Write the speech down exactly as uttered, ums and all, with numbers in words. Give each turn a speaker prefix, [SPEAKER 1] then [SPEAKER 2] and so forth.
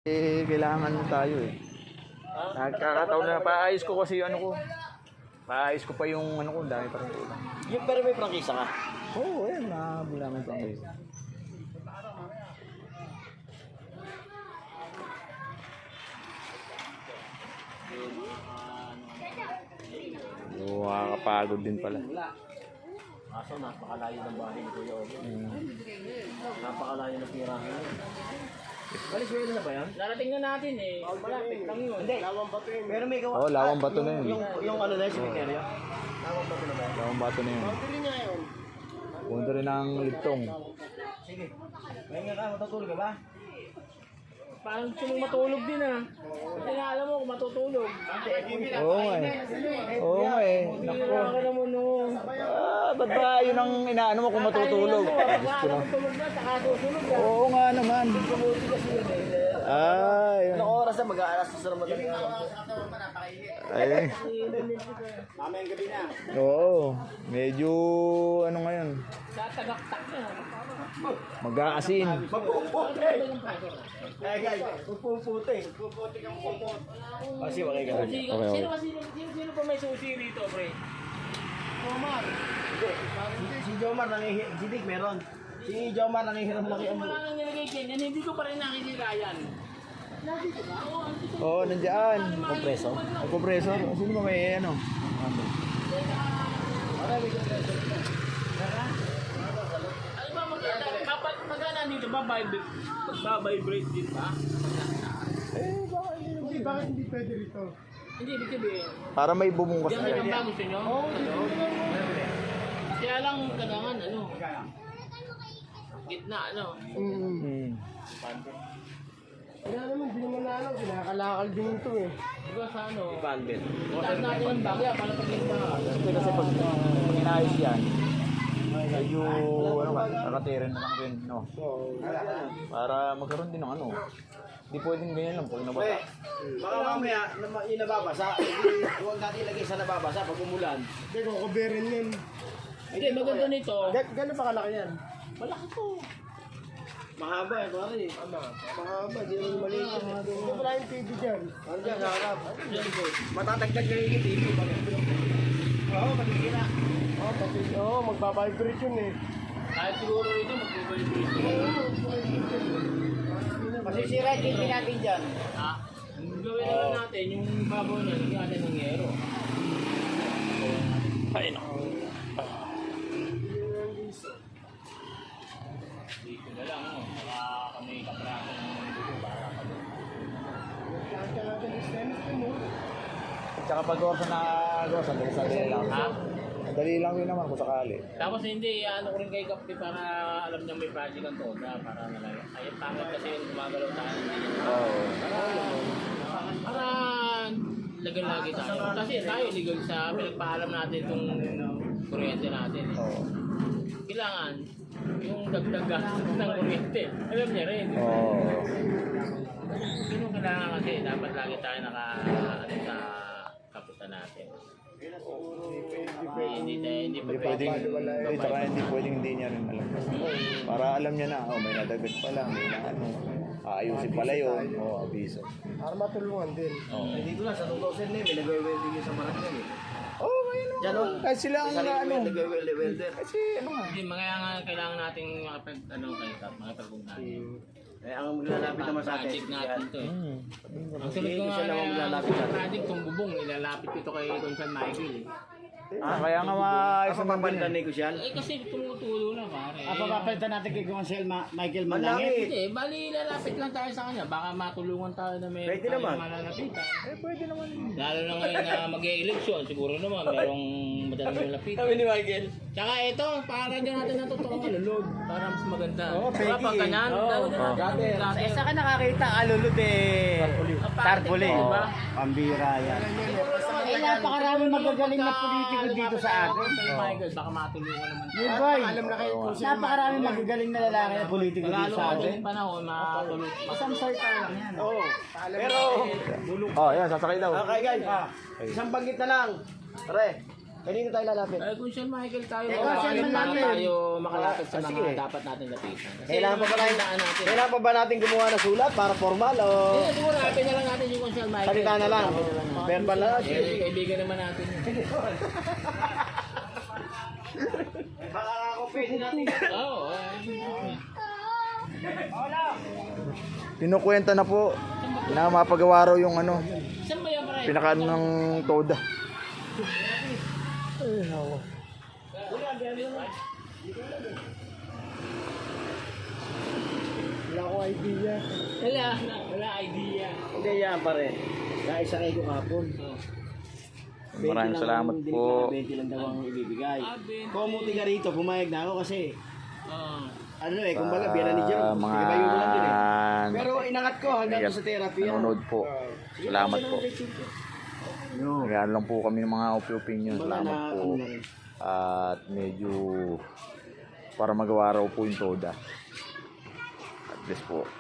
[SPEAKER 1] Eh, kailangan tayo eh. Nagkakataon na paayos ko kasi ano ko. Paayos ko pa yung ano ko, dami pa rin ulam.
[SPEAKER 2] Yung pero may prangkisa ka?
[SPEAKER 1] Oo, oh, ayun, nakabula naman pang guys. Oo, nakakapagod din pala.
[SPEAKER 2] Kaso napakalayo ng bahay ni Kuya Obo. Mm. Napakalayo ng tirahan. Valenzuela na ba yan?
[SPEAKER 3] Narating na natin eh. Malapit lang yun.
[SPEAKER 2] Hindi. Lawang bato yun. Pero may gawa.
[SPEAKER 1] Oo, oh, lawang bato na yun.
[SPEAKER 2] Yung, yung ano na yung cemetery. Lawang bato na ba yan?
[SPEAKER 1] Lawang bato na yun.
[SPEAKER 2] Pili nga yun.
[SPEAKER 1] Punta rin ang ligtong.
[SPEAKER 2] Sige. May nga ka, matutulog ka ba?
[SPEAKER 3] Parang gusto mong matulog din ah. Kasi nga alam mo kung matutulog.
[SPEAKER 1] Oo nga eh. Oo nga eh.
[SPEAKER 3] Hindi na ka naman no.
[SPEAKER 1] Ah, ba't ba yun ang inaano mo kung matutulog?
[SPEAKER 3] Pag alam tulog na, saka susunod na.
[SPEAKER 1] Oo nga naman. Ah, yun.
[SPEAKER 2] Anong oras na mag-aalas sa madaling araw?
[SPEAKER 1] Ay.
[SPEAKER 2] Mamayang gabi na.
[SPEAKER 1] Oo. Medyo ano ngayon.
[SPEAKER 3] Tatagaktak na.
[SPEAKER 1] Mag-aasin.
[SPEAKER 2] Magpuputi! Eh guys, magpuputi. Magpuputi kang magpuputi. Kasi okay ka lang.
[SPEAKER 3] Sino
[SPEAKER 1] okay.
[SPEAKER 3] sino ba sino, sino, sino pa may susi rito, pre? Omar.
[SPEAKER 2] Hindi. Si Jomar nangihiram. Si Dick meron. Si Jomar nangihiram laki ang
[SPEAKER 3] Wala nang nilagay dyan. Yan, hindi ko pa rin nakikita yan. Nandito ba? Oo, andito.
[SPEAKER 1] Oo, nandiyan.
[SPEAKER 2] kompreso.
[SPEAKER 1] Ang kompresor. Sino ba may ano?
[SPEAKER 3] Ano ba maganda? Kapag magana dito ba, vibrate, magbabibrate din ba?
[SPEAKER 1] Eh, baka hindi.
[SPEAKER 4] Bakit hindi pwede rito?
[SPEAKER 3] Hindi, ibig sabihin.
[SPEAKER 1] Para may bumungkas
[SPEAKER 3] Yan
[SPEAKER 1] na
[SPEAKER 3] yung
[SPEAKER 1] yan.
[SPEAKER 3] ba gusto nyo? Oo. Kaya lang kailangan ano. Gitna ano.
[SPEAKER 1] Hmm.
[SPEAKER 4] Wala naman, di naman na ano, kinakalakal din ito eh.
[SPEAKER 3] Diba sa ano?
[SPEAKER 2] Bandit.
[SPEAKER 3] Taas natin ang bagya para pag yung baha.
[SPEAKER 1] Kasi kasi pag pag inayos yan, medyo ano ka, nakatirin na lang rin, no? Para magkaroon din ng ano. Hindi pwedeng ganyan lang pag nabasa.
[SPEAKER 2] Baka mamaya, na- yung nababasa, hindi, huwag natin ilagay sa nababasa pag umulan.
[SPEAKER 4] Hindi, kukuberin yan.
[SPEAKER 3] Hindi, maganda nito.
[SPEAKER 4] Ga- Gano'n pa kalaki yan?
[SPEAKER 3] Malaki to.
[SPEAKER 2] Mahaba eh, pare.
[SPEAKER 4] Mahaba, di naman maliit yan. Hindi wala yung T V dyan.
[SPEAKER 2] Ano dyan, sa harap? Matatagtag na yung T V. Oo, magigina.
[SPEAKER 4] Oo, pati, oo, magbabibrate yun eh.
[SPEAKER 3] Kahit siguro ito, mag-vibrate.
[SPEAKER 2] Masisira yung T V natin dyan.
[SPEAKER 3] Ha? Gawin na lang natin yung babaw niya, lagyan natin ng yero.
[SPEAKER 1] Ay, no.
[SPEAKER 3] Dito na lang, ano, baka kami kapraso ng dugo para kami.
[SPEAKER 4] Kaya natin yung stainless din mo.
[SPEAKER 1] Tsaka pag orsa na orsa, dali lang.
[SPEAKER 3] Ha?
[SPEAKER 1] Dali lang yun naman kung sakali.
[SPEAKER 3] Tapos hindi, ano ko rin kay Kapti para alam niya may project ang toda, para nalagay. Ay, pangit kasi yung gumagalaw tayo.
[SPEAKER 1] Oo.
[SPEAKER 3] Para lagal-lagi tayo. Kasi tayo legal sa pinagpaalam natin itong kuryente natin. Eh.
[SPEAKER 1] Oo.
[SPEAKER 3] Kailangan yung dagdag gastos ng kuryente. Alam niya rin.
[SPEAKER 1] Oo.
[SPEAKER 3] Ganun kailangan kasi dapat lagi tayo naka ano, sa kaputan natin. Hindi, hindi, tayo- hindi pa
[SPEAKER 1] Hindi pwedeng,
[SPEAKER 3] pwedeng
[SPEAKER 1] hindi, tsaka hindi pwedeng hindi niya rin alam. Para alam niya na, oh, may nadagat pala, may na ano, aayusin pala yun, oh, abiso.
[SPEAKER 4] Para matulungan din.
[SPEAKER 1] Oo.
[SPEAKER 2] Eh, dito lang, sa two thousand nine, may nag-welding yun sa barangay eh.
[SPEAKER 1] Oh, ayun
[SPEAKER 2] Diyan
[SPEAKER 1] naman.
[SPEAKER 2] o.
[SPEAKER 1] Kahit sila ang
[SPEAKER 2] Sarili
[SPEAKER 1] ano.
[SPEAKER 2] may nag-welder.
[SPEAKER 1] Kasi ano nga.
[SPEAKER 3] Hindi, mga nga kailangan nating makapag, ano, kayo, makapag-ugnayan.
[SPEAKER 2] Eh, ang maglalapit naman sa atin.
[SPEAKER 3] Project natin to eh.
[SPEAKER 1] Hmm.
[SPEAKER 3] Ang sunod ko
[SPEAKER 2] Hindi
[SPEAKER 3] nga
[SPEAKER 2] siya naman
[SPEAKER 3] na
[SPEAKER 2] maglalapit natin.
[SPEAKER 3] project tong bubong, ilalapit ko ito kay Consan Michael eh.
[SPEAKER 1] Ah, kaya nga maayos
[SPEAKER 2] Ako
[SPEAKER 1] naman din
[SPEAKER 2] papalitan
[SPEAKER 1] eh.
[SPEAKER 2] ni Kusyal.
[SPEAKER 3] Eh kasi tumutulo na pare.
[SPEAKER 4] Apa papalitan natin kay Gonzalo Ma- Michael
[SPEAKER 2] Malangit.
[SPEAKER 4] Malangit?
[SPEAKER 3] Hindi, bali ilalapit lang tayo sa kanya. Baka matulungan tayo na may
[SPEAKER 2] Pwede naman.
[SPEAKER 3] malalapitan.
[SPEAKER 1] Eh, pwede naman.
[SPEAKER 3] Lalo na ngayon na mag-e-election, siguro naman merong madaling malapitan.
[SPEAKER 2] Sabi ni Michael.
[SPEAKER 3] Tsaka ito, para dyan natin ng totoong alulod. Para mas maganda.
[SPEAKER 4] Oo,
[SPEAKER 3] Diba,
[SPEAKER 4] pwede
[SPEAKER 3] pag
[SPEAKER 4] eh.
[SPEAKER 3] ganyan,
[SPEAKER 4] Oo,
[SPEAKER 3] lalo na
[SPEAKER 1] oo.
[SPEAKER 3] natin.
[SPEAKER 4] Eh, saan ka nakakita alulod eh? Tarpuli.
[SPEAKER 3] Oo. Diba?
[SPEAKER 4] Pambira yan. Eh, napakarami magagaling na politiko dito sa atin.
[SPEAKER 3] Kay Michael, baka matulungan naman.
[SPEAKER 4] Yun boy, alam na kayo kung napakarami magagaling na lalaki na politiko dito
[SPEAKER 3] Lalo
[SPEAKER 4] sa
[SPEAKER 3] kung
[SPEAKER 4] atin.
[SPEAKER 3] yung panahon, matulungan.
[SPEAKER 4] Isang circle lang yan.
[SPEAKER 2] Oo. Pero,
[SPEAKER 1] Oh, yan, sasakay daw.
[SPEAKER 2] okay guys, isang banggit na lang. Pare, Kanino tayo lalapit?
[SPEAKER 3] Eh, kung Sir Michael tayo,
[SPEAKER 4] Eh,
[SPEAKER 3] baka
[SPEAKER 4] Sir
[SPEAKER 3] paano
[SPEAKER 4] Michael.
[SPEAKER 3] tayo makalapit sa
[SPEAKER 2] Ah,
[SPEAKER 3] mga
[SPEAKER 2] sige.
[SPEAKER 3] dapat natin lapitan. Kasi
[SPEAKER 2] Kailangan pa ba natin,
[SPEAKER 3] tandaan natin.
[SPEAKER 2] kailangan pa ba natin gumawa ng sulat para formal o
[SPEAKER 3] Eh, siguro happy na lang natin yung kung Sir Michael.
[SPEAKER 2] salita na lang? Verbal na lang.
[SPEAKER 3] Eh, kaibigan naman natin. yun.
[SPEAKER 2] Baka ako pwede natin.
[SPEAKER 3] Oo. eh.
[SPEAKER 1] Kinukwenta na po na mapagawa raw yung ano,
[SPEAKER 3] Saan ba yan, pare?
[SPEAKER 1] pinakaano ng toda.
[SPEAKER 2] Wala akong idea.
[SPEAKER 3] Wala, wala idea.
[SPEAKER 2] Hindi yan pare. Naisakay ko kapon.
[SPEAKER 1] Maraming salamat po.
[SPEAKER 2] twenty lang daw ang ibibigay.
[SPEAKER 3] Ah, Ben.
[SPEAKER 2] Kumuti ka rito, pumayag na ako kasi
[SPEAKER 3] Oo.
[SPEAKER 2] ano eh, kumbaga biyana ni Jerome.
[SPEAKER 1] Sa mga
[SPEAKER 2] Ibayo mo lang din eh. Pero inangat ko hanggang
[SPEAKER 1] Nag-
[SPEAKER 2] sa therapy. yan.
[SPEAKER 1] nanonood po. Salamat po.
[SPEAKER 2] Yo.
[SPEAKER 1] Nagano lang po kami ng mga opinion.
[SPEAKER 2] Mga
[SPEAKER 1] Salamat
[SPEAKER 2] na-
[SPEAKER 1] po.
[SPEAKER 2] ano na rin.
[SPEAKER 1] At medyo para magawa raw po yung toda. At least po.